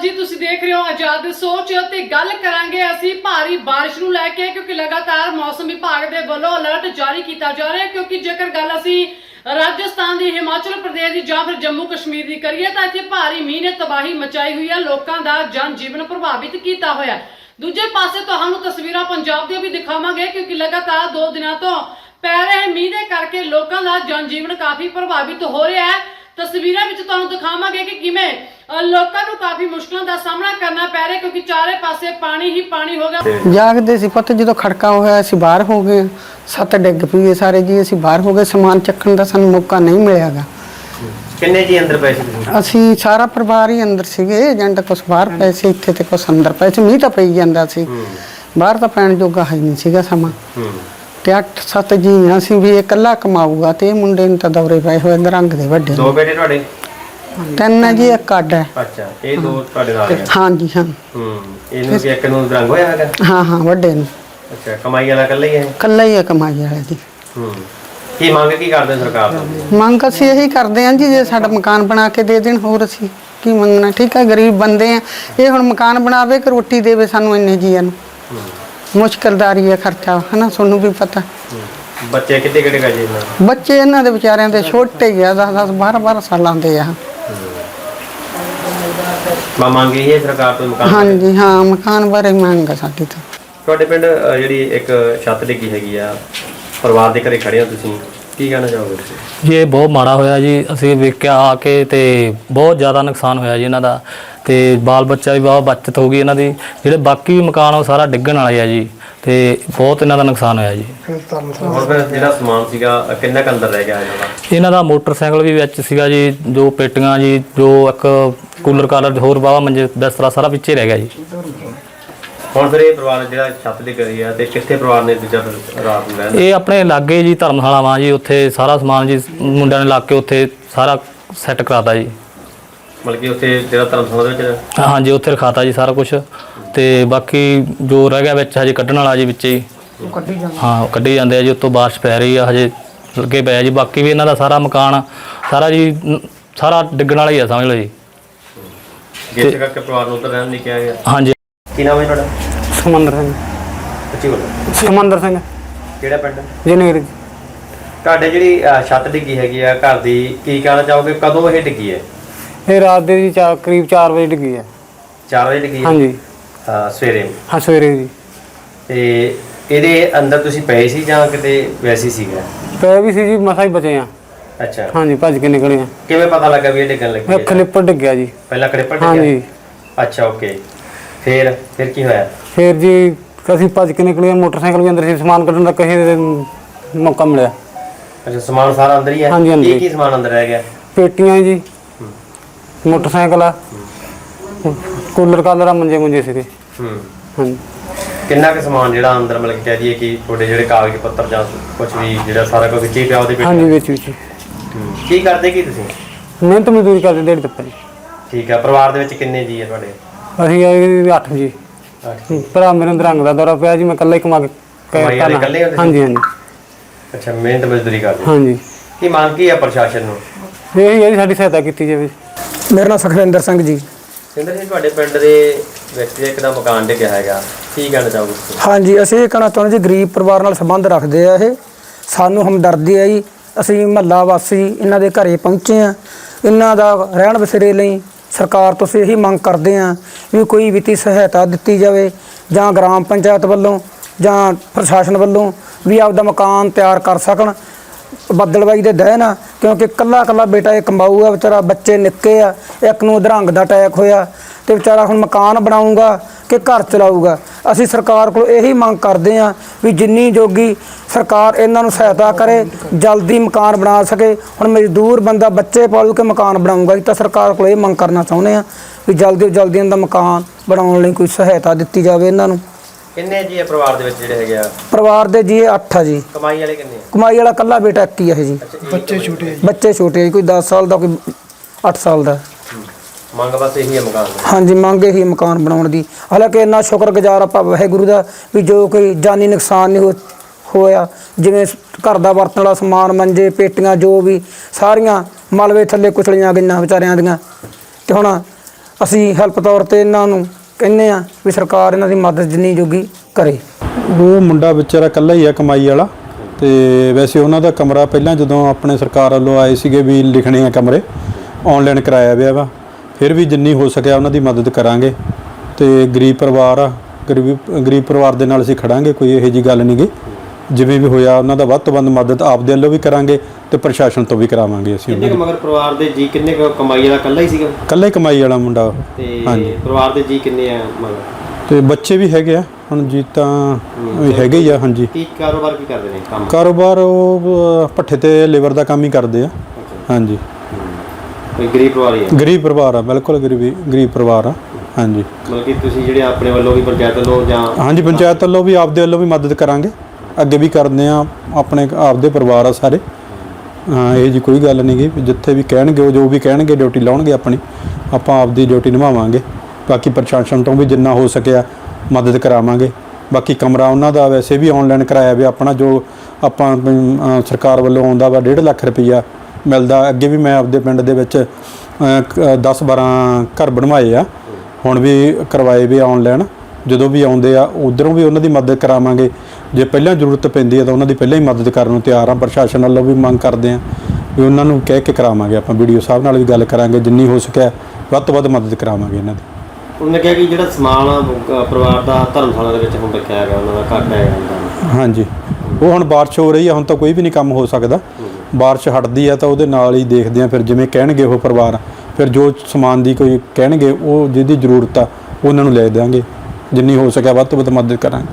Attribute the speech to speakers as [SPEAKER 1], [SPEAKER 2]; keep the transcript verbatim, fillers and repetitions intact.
[SPEAKER 1] जी, तुसीं देख रहे हो आजाद सोच ते गल करांगे असीं भारी बारिश नूं लैके क्योंकि लगातार मौसम विभाग दे वल्लों अलर्ट जारी किया जा रहा है। क्योंकि जेकर गल असीं राजस्थान दी, हिमाचल प्रदेश दी जां फिर जम्मू कश्मीर दी करिए तां इत्थे भारी मींह ने तबाही मचाई हुई है, लोकां दा जन जीवन प्रभावित किया होया। दूजे पासे तुहानूं तस्वीरां पंजाब दी भी दिखावांगे क्योंकि लगातार दो दिनां तो पै रहे मींह दे करके लोकां दा जन जीवन काफी प्रभावित हो रहा है। तस्वीरां विच तुहानूं दिखावांगे कि किवें लोकां नूं काफी मुश्किलां दा सामना करना पै रहा क्योंकि चारे पासे पानी ही पानी हो गया।
[SPEAKER 2] जागदे सी पुੱਤ ਜਦੋਂ ਖੜਕਾ ਹੋਇਆ ਅਸੀਂ ਬਾਹਰ ਹੋ ਗਏ, ਸੱਤ ਡਿੱਗ ਪਈਏ ਸਾਰੇ ਜੀ, ਅਸੀਂ ਬਾਹਰ ਹੋ ਗਏ, ਸਮਾਨ ਚੱਕਣ ਦਾ ਸਾਨੂੰ ਮੌਕਾ ਨਹੀਂ ਮਿਲਿਆਗਾ।
[SPEAKER 3] ਕਿੰਨੇ ਜੀ ਅੰਦਰ ਪਏ ਸੀ?
[SPEAKER 2] ਅਸੀਂ ਸਾਰਾ ਪਰਿਵਾਰ ਹੀ ਅੰਦਰ ਸੀਗੇ, ਏਜੰਟ ਕੁਛ ਬਾਹਰ ਪਏ ਸੀ, ਇੱਥੇ ਤੇ ਕੁਛ ਅੰਦਰ ਪਏ ਸੀ। ਮੀਂਹ ਤਾਂ ਪਈ ਜਾਂਦਾ ਸੀ, ਬਾਹਰ ਤਾਂ ਪੈਣ ਜੋਗਾ ਹੈ ਨਹੀਂ ਸੀਗਾ ਸਮਾਂ। ਤੇ ਅੱਠ ਸੱਤ ਜੀ ਅਸੀਂ ਵੀ ਇਕੱਲਾ ਕਮਾਊਗਾ ਤੇ ਇਹ ਮੁੰਡੇ ਨੂੰ ਤਾਂ ਦੌਰੇ ਪਏ ਹੋਏ ਰੰਗ ਦੇ ਵੱਡੇ।
[SPEAKER 3] ਦੋ ਬੇਟੇ ਤੁਹਾਡੇ?
[SPEAKER 2] ਤਿੰਨ ਹੈ ਜੀ, ਇੱਕ ਅੱਡ ਹੈ।
[SPEAKER 3] ਅੱਛਾ, ਇਹ ਦੋ ਤੁਹਾਡੇ ਨਾਲ ਹੈ?
[SPEAKER 2] ਹਾਂ ਜੀ ਹਾਂ।
[SPEAKER 3] ਹੂੰ, ਇਹਨੂੰ ਵੀ ਇੱਕ ਨੂੰ ਰੰਗ ਹੋਇਆ ਹੈਗਾ?
[SPEAKER 2] ਹਾਂ ਹਾਂ, ਵੱਡੇ ਨੂੰ।
[SPEAKER 3] ਅੱਛਾ, ਕਮਾਈ ਵਾਲਾ ਇਕੱਲਾ ਹੀ ਹੈ?
[SPEAKER 2] ਇਕੱਲਾ ਹੀ ਹੈ ਕਮਾਈ ਵਾਲਾ ਜੀ।
[SPEAKER 3] ਹੂੰ, ਕੀ ਮੰਗ ਕੀ ਕਰਦੇ ਸਰਕਾਰ ਤੋਂ?
[SPEAKER 2] ਮੰਗ ਅਸੀਂ ਇਹੀ ਕਰਦੇ ਹਾਂ ਜੀ, ਜੇ ਸਾਡਾ ਮਕਾਨ ਬਣਾ ਕੇ ਦੇ ਦੇਣ, ਹੋਰ ਅਸੀਂ ਕੀ ਮੰਗਣਾ। ਠੀਕ ਹੈ, ਗਰੀਬ ਬੰਦੇ ਆ, ਇਹ ਹੁਣ ਮਕਾਨ ਬਣਾਵੇ ਕਿ ਰੋਟੀ ਦੇਵੇ ਸਾਨੂੰ ਇੰਨੇ ਜੀਆਂ ਨੂੰ। ਮੁਸ਼ਕਿਲਦਾਰੀ ਹੈ, ਖਰਚਾ ਹੈ ਨਾ, ਤੁਹਾਨੂੰ ਵੀ ਪਤਾ।
[SPEAKER 3] ਬੱਚੇ ਕਿੱਡੇ ਕਿੱਡੇ ਗਏ ਜੀ?
[SPEAKER 2] ਬੱਚੇ ਇਹਨਾਂ ਦੇ ਵਿਚਾਰਿਆਂ ਦੇ ਛੋਟੇ ਹੀ ਆ, ਦਸ ਦਸ ਬਾਰਾਂ ਬਾਰਾਂ ਸਾਲਾਂ ਦੇ ਆ।
[SPEAKER 3] ਮੈਂ ਮੰਗ ਰਹੀ ਹੈ ਸਰਕਾਰ ਤੋਂ ਮਕਾਨ?
[SPEAKER 2] ਹਾਂਜੀ ਹਾਂ, ਮਕਾਨ ਬਾਰੇ ਮੰਗ ਆ ਸਾਡੀ ਤਾਂ।
[SPEAKER 3] ਤੁਹਾਡੇ ਪਿੰਡ ਜਿਹੜੀ ਇੱਕ ਛੱਤ ਡਿੱਗੀ ਹੈਗੀ ਆ, ਪਰਿਵਾਰ ਦੇ ਘਰੇ ਖੜੇ ਹੋ ਤੁਸੀਂ, ਕੀ ਕਹਿਣਾ ਚਾਹੋਗੇ ਤੁਸੀਂ?
[SPEAKER 4] ਜੀ ਇਹ ਬਹੁਤ ਮਾੜਾ ਹੋਇਆ ਜੀ, ਅਸੀਂ ਵੇਖਿਆ ਆ ਕੇ ਤੇ ਬਹੁਤ ਜ਼ਿਆਦਾ ਨੁਕਸਾਨ ਹੋਇਆ ਜੀ ਇਹਨਾਂ ਦਾ, ਤੇ ਬਾਲ ਬੱਚਾ ਵੀ ਬਹੁਤ ਬਚਤ ਹੋ ਗਈ ਇਹਨਾਂ ਦੀ। ਜਿਹੜੇ ਬਾਕੀ ਮਕਾਨ ਉਹ ਸਾਰਾ ਡਿੱਗਣ ਵਾਲੇ ਆ ਜੀ, ਤੇ ਬਹੁਤ ਇਹਨਾਂ ਦਾ ਨੁਕਸਾਨ ਹੋਇਆ ਜੀ।
[SPEAKER 3] ਹੁਣ ਫਿਰ ਜਿਹੜਾ ਸਮਾਨ ਸੀਗਾ ਕਿੰਨਾ ਕੁ ਅੰਦਰ ਰਹਿ ਗਿਆ ਇਹਨਾਂ ਦਾ?
[SPEAKER 4] ਇਹਨਾਂ ਦਾ ਮੋਟਰਸਾਈਕਲ ਵੀ ਵਿੱਚ ਸੀਗਾ ਜੀ, ਜੋ ਪੇਟੀਆਂ ਜੀ, ਜੋ ਇੱਕ ਕੂਲਰ ਕਾਲਰ, ਹੋਰ ਬਾਵਾ ਮੰਜੇ ਬਿਸਤਰਾ ਸਾਰਾ ਵਿੱਚੇ ਰਹਿ ਗਿਆ ਜੀ।
[SPEAKER 3] ਹੁਣ ਫਿਰ ਇਹ ਪਰਿਵਾਰ ਜਿਹੜਾ ਛੱਤ ਡਿੱਗ ਰਹੀ ਆ ਤੇ ਕਿੱਥੇ ਪਰਿਵਾਰ ਨੇ ਦੂਜਾ ਰਾਤ ਨੂੰ ਰਹਿਣਾ?
[SPEAKER 4] ਇਹ ਆਪਣੇ ਲਾਗੇ ਜੀ ਧਰਮਸ਼ਾਲਾ ਵਾ ਜੀ, ਉੱਥੇ ਸਾਰਾ ਸਮਾਨ ਜੀ ਮੁੰਡਿਆਂ ਨੇ ਲਾ ਕੇ ਉੱਥੇ ਸਾਰਾ ਸੈੱਟ ਕਰਾਤਾ ਜੀ।
[SPEAKER 3] ਮਤਲਬ ਕਿ ਉੱਥੇ ਜਿਹੜਾ ਧਰਮਸ਼ਾਲਾ ਦੇ ਵਿੱਚ?
[SPEAKER 4] ਹਾਂਜੀ, ਉੱਥੇ ਰਖਾਤਾ ਜੀ ਸਾਰਾ ਕੁਝ, ਤੇ ਬਾਕੀ ਜੋ ਰਹਿ ਗਿਆ ਵਿੱਚ ਹਜੇ ਕੱਢਣ ਵਾਲਾ ਜੀ ਵਿੱਚ ਹੀ। ਹਾਂ, ਕੱਢੀ ਜਾਂਦੇ ਆ ਜੀ, ਉੱਤੋਂ ਬਾਰਿਸ਼ ਪੈ ਰਹੀ ਆ, ਹਜੇ ਲੱਗੇ ਪਿਆ ਜੀ। ਬਾਕੀ ਵੀ ਇਹਨਾਂ ਦਾ ਸਾਰਾ ਮਕਾਨ ਸਾਰਾ ਜੀ ਸਾਰਾ ਡਿੱਗਣ ਵਾਲਾ ਹੀ ਆ, ਸਮਝ ਲਓ ਜੀ।
[SPEAKER 3] ਜਿਸ ਕਰਕੇ ਪਰਿਵਾਰ ਨੂੰ ਉੱਧਰ ਰਹਿਣ ਨਹੀਂ ਕਿਹਾ ਗਿਆ?
[SPEAKER 4] ਹਾਂਜੀ।
[SPEAKER 3] ਕੀ ਨਾਮ ਹੈ ਤੁਹਾਡਾ?
[SPEAKER 2] ਸਮੰਦਰ ਸਿੰਘ।
[SPEAKER 3] ਅੱਛੀ ਬੋਲੋ।
[SPEAKER 2] ਸਮੰਦਰ ਸਿੰਘ।
[SPEAKER 3] ਕਿਹੜਾ ਪਿੰਡ?
[SPEAKER 2] ਜਨੇਰ।
[SPEAKER 3] ਤੁਹਾਡੇ ਜਿਹੜੀ ਛੱਤ ਡਿੱਗੀ ਹੈਗੀ ਆ ਘਰ ਦੀ, ਕੀ ਕਹਿਣਾ ਚਾਹੋਗੇ, ਕਦੋਂ ਇਹ ਡਿੱਗੀ ਹੈ?
[SPEAKER 2] ਇਹ ਰਾਤ ਦੇ ਜੀ ਚਾਰ ਕਰੀਬ ਚਾਰ ਵਜੇ ਡਿੱਗੀ ਹੈ।
[SPEAKER 3] ਚਾਰ ਵਜੇ ਡਿੱਗੀ?
[SPEAKER 2] ਹਾਂਜੀ
[SPEAKER 3] ਹਾਂ, ਸਵੇਰੇ?
[SPEAKER 2] ਹਾਂ, ਸਵੇਰੇ ਜੀ।
[SPEAKER 3] ਤੇ ਇਹਦੇ ਅੰਦਰ ਤੁਸੀਂ ਪਏ ਸੀ ਜਾਂ ਕਿਤੇ ਵੈਸੇ ਸੀਗਾ?
[SPEAKER 2] ਪਏ ਵੀ ਸੀ ਜੀ, ਮਸਾਂ ਹੀ ਬਚੇ ਆ।
[SPEAKER 3] ਅੱਛਾ,
[SPEAKER 2] ਹਾਂਜੀ, ਭੱਜ ਕੇ ਨਿਕਲੇ ਆ।
[SPEAKER 3] ਕਿਵੇਂ ਪਤਾ ਲੱਗਾ ਵੀ ਇਹ ਡਿੱਗਣ ਲੱਗੀ ਹੈ?
[SPEAKER 2] ਖਲਿੱਪਰ ਡਿੱਗਿਆ ਜੀ।
[SPEAKER 3] ਪਹਿਲਾਂ ਖਲਿੱਪਰ ਡਿੱਗਿਆ?
[SPEAKER 2] ਹਾਂਜੀ।
[SPEAKER 3] ਅੱਛਾ, ਓਕੇ। ਫਿਰ ਫਿਰ ਕੀ ਹੋਇਆ?
[SPEAKER 2] ਫਿਰ ਜੀ ਅਸੀਂ ਭੱਜ ਕੇ ਨਿਕਲੇ, ਮੋਟਰਸਾਈਕਲ ਵੀ ਅੰਦਰ ਸੀ, ਸਮਾਨ ਕੱਢਣ ਦਾ ਕਿਸੇ ਮੌਕਾ ਮਿਲਿਆ।
[SPEAKER 3] ਅੱਛਾ, ਸਮਾਨ ਸਾਰਾ ਅੰਦਰ ਹੀ ਹੈ?
[SPEAKER 2] ਹਾਂਜੀ, ਹਾਂਜੀ।
[SPEAKER 3] ਕੀ ਕੀ ਸਮਾਨ ਅੰਦਰ ਰਹਿ ਗਿਆ?
[SPEAKER 2] ਪੇਟੀਆਂ ਜੀ, ਮੋਟਰਸਾਈਕਲ ਆ, ਕੂਲਰ ਕਾਲਰ ਆ, ਮੰਜੇ ਮੁੰਜੇ ਸੀਗੇ।
[SPEAKER 3] ਹੂੰ।
[SPEAKER 2] ਹਾਂਜੀ।
[SPEAKER 3] ਕਿੰਨਾ ਕੁ ਸਮਾਨ ਜਿਹੜਾ ਅੰਦਰ ਮਤਲਬ ਕਹਿ ਦਈਏ ਕਿ ਤੁਹਾਡੇ ਜਿਹੜੇ ਕਾਗਜ਼ ਪੱਤਰ ਜਾਂ ਕੁਝ ਵੀ ਜਿਹੜਾ ਸਾਰਾ ਕੁਝ ਵਿੱਚ ਹੀ ਪਿਆ ਉਹਦੇ ਵਿੱਚ?
[SPEAKER 2] ਹਾਂਜੀ, ਵਿੱਚ ਵਿੱਚ।
[SPEAKER 3] ਕੀ ਕਰਦੇ ਕੀ ਤੁਸੀਂ?
[SPEAKER 2] ਮਿਹਨਤ ਮਜ਼ਦੂਰੀ ਕਰਦੇ ਦਿਹਾੜੀ ਤੱਪਾ ਜੀ।
[SPEAKER 3] ਠੀਕ ਆ। ਪਰਿਵਾਰ ਦੇ ਵਿੱਚ ਕਿੰਨੇ ਜੀ ਆ ਤੁਹਾਡੇ?
[SPEAKER 2] ਅਸੀਂ ਆਏ ਅੱਠ ਜੀ। ਭਰਾ ਮੇਰੇ ਨੂੰ ਰੰਗ ਦਾ ਦੌਰਾ ਪਿਆ ਜੀ, ਮੈਂ ਇਕੱਲਾ ਹੀ ਕਮਾ ਕੇ
[SPEAKER 3] ਕਮਾਈ ਵਾਲੇ ਇਕੱਲੇ ਹੁੰਦੇ ਸੀ?
[SPEAKER 2] ਹਾਂਜੀ ਹਾਂਜੀ।
[SPEAKER 3] ਅੱਛਾ, ਮਿਹਨਤ ਮਜ਼ਦੂਰੀ ਕਰਦੇ?
[SPEAKER 2] ਹਾਂਜੀ।
[SPEAKER 3] ਕੀ ਮੰਗ ਕੀ ਆ ਪ੍ਰਸ਼ਾਸਨ ਨੂੰ?
[SPEAKER 2] ਇਹ ਹੈ ਜੀ, ਸਾਡੀ ਸਹਾਇਤਾ ਕੀਤੀ ਜਾਵੇ। ਮੇਰਾ ਨਾਮ ਸੁਖਵਿੰਦਰ ਸਿੰਘ ਜੀ।
[SPEAKER 3] ਸਿੰਦਰ ਜੀ, ਤੁਹਾਡੇ ਪਿੰਡ ਦੇ ਵਿਅਕਤੀ ਇੱਕ ਦਾ ਮਕਾਨ ਡਿੱਗਿਆ ਹੈਗਾ, ਕੀ ਕਹਿਣਾ ਚਾਹੋਗੇ ਤੁਸੀਂ?
[SPEAKER 5] ਹਾਂਜੀ, ਅਸੀਂ ਇਹ ਕਹਿਣਾ ਚਾਹੁੰਦੇ ਜੀ, ਗਰੀਬ ਪਰਿਵਾਰ ਨਾਲ ਸੰਬੰਧ ਰੱਖਦੇ ਆ, ਇਹ ਸਾਨੂੰ ਹਮਦਰਦੀ ਆ ਜੀ। ਅਸੀਂ ਮਹੱਲਾ ਵਾਸੀ ਇਹਨਾਂ ਦੇ ਘਰੇ ਪਹੁੰਚੇ ਆ, ਇਹਨਾਂ ਦਾ ਰਹਿਣ ਬਸੇਰੇ ਲਈ ਸਰਕਾਰ ਤੋਂ ਅਸੀਂ ਇਹੀ ਮੰਗ ਕਰਦੇ ਆ ਵੀ ਕੋਈ ਵਿੱਤੀ ਸਹਾਇਤਾ ਦਿੱਤੀ ਜਾਵੇ, ਜਾਂ ਗ੍ਰਾਮ ਪੰਚਾਇਤ ਵੱਲੋਂ ਜਾਂ ਪ੍ਰਸ਼ਾਸਨ ਵੱਲੋਂ ਵੀ ਆਪਦਾ ਮਕਾਨ ਤਿਆਰ ਕਰ ਸਕਣ। ਬੱਦਲਬਾਈ ਦੇ ਦਹਿ ਨਾ, ਕਿਉਂਕਿ ਕੱਲਾ ਕੱਲਾ ਬੇਟਾ ਇਹ ਕਮਾਊਗਾ ਵਿਚਾਰਾ, ਬੱਚੇ ਨਿੱਕੇ ਆ, ਇੱਕ ਨੂੰ ਅਧਰੰਗ ਦਾ ਅਟੈਕ ਹੋਇਆ ਤੇ ਵਿਚਾਰਾ ਹੁਣ ਮਕਾਨ ਬਣਾਊਗਾ ਕਿ ਘਰ ਚਲਾਊਗਾ। ਅਸੀਂ ਸਰਕਾਰ ਕੋਲ ਇਹੀ ਮੰਗ ਕਰਦੇ ਹਾਂ ਵੀ ਜਿੰਨੀ ਜੋਗੀ ਸਰਕਾਰ ਇਹਨਾਂ ਨੂੰ ਸਹਾਇਤਾ ਕਰੇ, ਜਲਦੀ ਮਕਾਨ ਬਣਾ ਸਕੇ। ਹੁਣ ਮਜ਼ਦੂਰ ਬੰਦਾ ਬੱਚੇ ਪਾਲੂ ਕੇ ਮਕਾਨ ਬਣਾਊਗਾ, ਅਸੀਂ ਤਾਂ ਸਰਕਾਰ ਕੋਲ ਇਹ ਮੰਗ ਕਰਨਾ ਚਾਹੁੰਦੇ ਹਾਂ ਵੀ ਜਲਦੀ ਤੋਂ ਜਲਦੀ ਇਹਨਾਂ ਦਾ ਮਕਾਨ ਬਣਾਉਣ ਲਈ ਕੋਈ ਸਹਾਇਤਾ ਦਿੱਤੀ ਜਾਵੇ ਇਹਨਾਂ ਨੂੰ।
[SPEAKER 3] ਕਿੰਨੇ ਜੀ ਆ ਪਰਿਵਾਰ ਦੇ ਵਿੱਚ ਜਿਹੜੇ ਹੈਗੇ ਆ?
[SPEAKER 5] ਪਰਿਵਾਰ ਦੇ ਜੀ ਅੱਠ ਆ ਜੀ।
[SPEAKER 3] ਕਮਾਈ ਵਾਲੇ ਕਿੰਨੇ ਆ?
[SPEAKER 5] ਕਮਾਈ ਵਾਲਾ ਕੱਲਾ ਬੇਟਾ ਇੱਕ ਹੀ ਹੈ ਜੀ।
[SPEAKER 3] ਬੱਚੇ ਛੋਟੇ?
[SPEAKER 5] ਬੱਚੇ ਛੋਟੇ, ਕੋਈ ਦਸ ਸਾਲ ਦਾ, ਕੋਈ ਅੱਠ ਸਾਲ ਦਾ।
[SPEAKER 3] ਮੰਗ ਬਸ ਇਹੀ ਹੈ ਮਕਾਨ ਦੀ?
[SPEAKER 5] ਹਾਂਜੀ, ਮੰਗ ਇਹੀ ਮਕਾਨ ਬਣਾਉਣ ਦੀ। ਹਾਲਾਂਕਿ ਇੰਨਾ ਸ਼ੁਕਰਗੁਜ਼ਾਰ ਆਪਾਂ ਵਾਹਿਗੁਰੂ ਦਾ ਵੀ ਜੋ ਕੋਈ ਜਾਨੀ ਨੁਕਸਾਨ ਨਹੀਂ ਹੋ ਹੋਇਆ, ਜਿਵੇਂ ਘਰ ਦਾ ਵਰਤਣ ਵਾਲਾ ਸਮਾਨ, ਮੰਜੇ, ਪੇਟੀਆਂ, ਜੋ ਵੀ ਸਾਰੀਆਂ ਮਲਬੇ ਥੱਲੇ ਕੁਚਲੀਆਂ ਗਈਆਂ ਵਿਚਾਰਿਆਂ ਦੀਆਂ। ਤੇ ਹੁਣ ਅਸੀਂ ਹੈਲਪ ਤੌਰ ਤੇ ਇਹਨਾਂ ਨੂੰ ਕਹਿੰਦੇ ਆ ਵੀ ਸਰਕਾਰ ਇਹਨਾਂ ਦੀ ਮਦਦ ਜਿੰਨੀ ਜੋਗੀ ਕਰੇ।
[SPEAKER 6] ਉਹ ਮੁੰਡਾ ਵਿਚਾਰਾ ਇਕੱਲਾ ਹੀ ਆ ਕਮਾਈ ਵਾਲਾ, ਤੇ ਵੈਸੇ ਉਹਨਾਂ ਦਾ ਕਮਰਾ ਪਹਿਲਾਂ ਜਦੋਂ ਆਪਣੇ ਸਰਕਾਰ ਵੱਲੋਂ ਆਏ ਸੀਗੇ ਵੀ ਲਿਖਣੇ ਆ ਕਮਰੇ, ਆਨਲਾਈਨ ਕਰਾਇਆ ਪਿਆ ਵਾ। ਫਿਰ ਵੀ ਜਿੰਨੀ ਹੋ ਸਕਿਆ ਉਹਨਾਂ ਦੀ ਮਦਦ ਕਰਾਂਗੇ। ਤੇ ਗਰੀਬ ਪਰਿਵਾਰ ਆ, ਗਰੀਬ ਗਰੀਬ ਪਰਿਵਾਰ ਦੇ ਨਾਲ ਅਸੀਂ ਖੜਾਂਗੇ, ਕੋਈ ਇਹੋ ਜਿਹੀ ਗੱਲ ਨਹੀਂ ਗੀ। ਜਿਵੇਂ ਵੀ ਹੋਇਆ ਉਹਨਾਂ ਦਾ ਵੱਧ ਤੋਂ ਵੱਧ ਮਦਦ ਆਪਦੇ ਵੱਲੋਂ ਵੀ ਕਰਾਂਗੇ ਤੇ ਪ੍ਰਸ਼ਾਸਨ ਤੋਂ ਵੀ ਕਰਾਵਾਂਗੇ ਅਸੀਂ।
[SPEAKER 3] ਕਿੰਨੇ ਕੁ ਮਗਰ ਪਰਿਵਾਰ ਦੇ ਜੀ ਕਿੰਨੇ ਕੁ ਕਮਾਈ ਵਾਲਾ ਇਕੱਲਾ ਹੀ ਸੀਗਾ?
[SPEAKER 6] ਇਕੱਲਾ ਹੀ ਕਮਾਈ ਵਾਲਾ ਮੁੰਡਾ।
[SPEAKER 3] ਤੇ
[SPEAKER 6] ਹਾਂਜੀ।
[SPEAKER 3] ਪਰਿਵਾਰ ਦੇ ਜੀ ਕਿੰਨੇ ਆ ਮਗਰ?
[SPEAKER 6] ਤੇ ਬੱਚੇ ਵੀ ਹੈਗੇ ਆ ਹੁਣ ਜੀ, ਤਾਂ ਵੀ ਹੈਗੇ ਹੀ ਆ। ਹਾਂਜੀ।
[SPEAKER 3] ਕੀ ਕਾਰੋਬਾਰ ਕੀ ਕਰਦੇ ਨੇ ਕੰਮ?
[SPEAKER 6] ਕਾਰੋਬਾਰ ਉਹ ਅਹ, ਭੱਠੇ ਤੇ ਲੇਬਰ ਦਾ ਕੰਮ ਹੀ ਕਰਦੇ ਆ। ਹਾਂਜੀ।
[SPEAKER 3] ਕੋਈ ਗਰੀਬ ਪਰਿਵਾਰ ਹੀ ਆ?
[SPEAKER 6] ਗਰੀਬ ਪਰਿਵਾਰ ਆ, ਬਿਲਕੁਲ ਗਰੀਬੀ ਗਰੀਬ ਪਰਿਵਾਰ ਆ। ਹਾਂਜੀ।
[SPEAKER 3] ਮਤਲਬ ਕਿ ਤੁਸੀਂ ਜਿਹੜੇ ਆਪਣੇ ਵੱਲੋਂ ਵੀ ਪੰਚਾਇਤ ਵੱਲੋਂ ਜਾਂ
[SPEAKER 6] ਹਾਂਜੀ, ਪੰਚਾਇਤ ਵੱਲੋਂ ਵੀ ਆਪਦੇ ਵੱਲੋਂ ਵੀ ਮਦਦ ਕਰਾਂਗੇ, ਅੱਗੇ ਵੀ ਕਰਦੇ ਆ। ਆਪਣੇ ਆਪਦੇ ਪਰਿਵਾਰ ਆ ਸਾਰੇ। ਹਾਂ, ਇਹ ਜੀ ਕੋਈ ਗੱਲ ਨਹੀਂ ਗੀ, ਜਿੱਥੇ ਵੀ ਕਹਿਣਗੇ ਉਹ ਜੋ ਵੀ ਕਹਿਣਗੇ ਡਿਊਟੀ ਲਾਉਣਗੇ ਆਪਣੀ, ਆਪਾਂ ਆਪਦੀ ਡਿਊਟੀ ਨਿਭਾਵਾਂਗੇ। ਬਾਕੀ ਪ੍ਰਸ਼ਾਸਨ ਤੋਂ ਵੀ ਜਿੰਨਾ ਹੋ ਸਕਿਆ ਮਦਦ ਕਰਾਵਾਂਗੇ। ਬਾਕੀ ਕਮਰਾ ਉਹਨਾਂ ਦਾ ਵੈਸੇ ਵੀ ਆਨਲਾਈਨ ਕਰਾਇਆ ਵੀ ਆਪਣਾ, ਜੋ ਆਪਾਂ ਅ, ਸਰਕਾਰ ਵੱਲੋਂ ਆਉਂਦਾ ਵਾ ਡੇਢ ਲੱਖ ਰੁਪਈਆ ਮਿਲਦਾ। ਅੱਗੇ ਵੀ ਮੈਂ ਆਪਦੇ ਪਿੰਡ ਦੇ ਵਿੱਚ ਦਸ ਬਾਰਾਂ ਘਰ ਬਣਵਾਏ ਆ, ਹੁਣ ਵੀ ਕਰਵਾਏ ਵੀ ਆਨਲਾਈਨ। ਜਦੋਂ ਵੀ ਆਉਂਦੇ ਆ ਉਧਰੋਂ ਵੀ ਉਹਨਾਂ ਦੀ ਮਦਦ ਕਰਾਵਾਂਗੇ। ਜੇ ਪਹਿਲਾਂ ਜ਼ਰੂਰਤ ਪੈਂਦੀ ਹੈ ਤਾਂ ਉਹਨਾਂ ਦੀ ਪਹਿਲਾਂ ਹੀ ਮਦਦ ਕਰਨ ਨੂੰ ਤਿਆਰ ਆ। ਪ੍ਰਸ਼ਾਸਨ ਵੱਲੋਂ ਵੀ ਮੰਗ ਕਰਦੇ ਆ ਵੀ ਉਹਨਾਂ ਨੂੰ ਕਹਿ ਕੇ ਕਰਾਵਾਂਗੇ। ਆਪਾਂ ਵੀਡੀਓ ਸਾਹਿਬ ਨਾਲ ਵੀ ਗੱਲ ਕਰਾਂਗੇ, ਜਿੰਨੀ ਹੋ ਸਕਿਆ ਵੱਧ ਤੋਂ ਵੱਧ ਮਦਦ ਕਰਾਵਾਂਗੇ ਇਹਨਾਂ ਦੀ।
[SPEAKER 3] ਉਹਨੇ ਕਿਹਾ ਕਿ ਜਿਹੜਾ ਸਮਾਨ ਅ, ਪਰਿਵਾਰ ਦਾ ਧਰਮਸ਼ਾਲਾ ਦੇ ਵਿੱਚ ਹੁਣ ਰੱਖਿਆ ਹੈਗਾ, ਉਹਨਾਂ ਦਾ ਘੱਟ ਹੈ।
[SPEAKER 6] ਹਾਂਜੀ, ਉਹ ਹੁਣ ਬਾਰਿਸ਼ ਹੋ ਰਹੀ ਆ, ਹੁਣ ਤਾਂ ਕੋਈ ਵੀ ਨਹੀਂ ਕੰਮ ਹੋ ਸਕਦਾ। ਬਾਰਿਸ਼ ਹਟਦੀ ਆ ਤਾਂ ਉਹਦੇ ਨਾਲ ਹੀ ਦੇਖਦੇ ਆ, ਫਿਰ ਜਿਵੇਂ ਕਹਿਣਗੇ ਉਹ ਪਰਿਵਾਰ, ਫਿਰ ਜੋ ਸਮਾਨ ਦੀ ਕੋਈ ਕਹਿਣਗੇ ਉਹ ਜਿਹਦੀ ਜ਼ਰੂਰਤ ਆ ਉਹਨਾਂ ਨੂੰ ਲੈ ਦਿਆਂਗੇ। ਜਿੰਨੀ ਹੋ ਸਕਿਆ ਵੱਧ ਤੋਂ ਵੱਧ ਮਦਦ ਕਰਾਂਗੇ।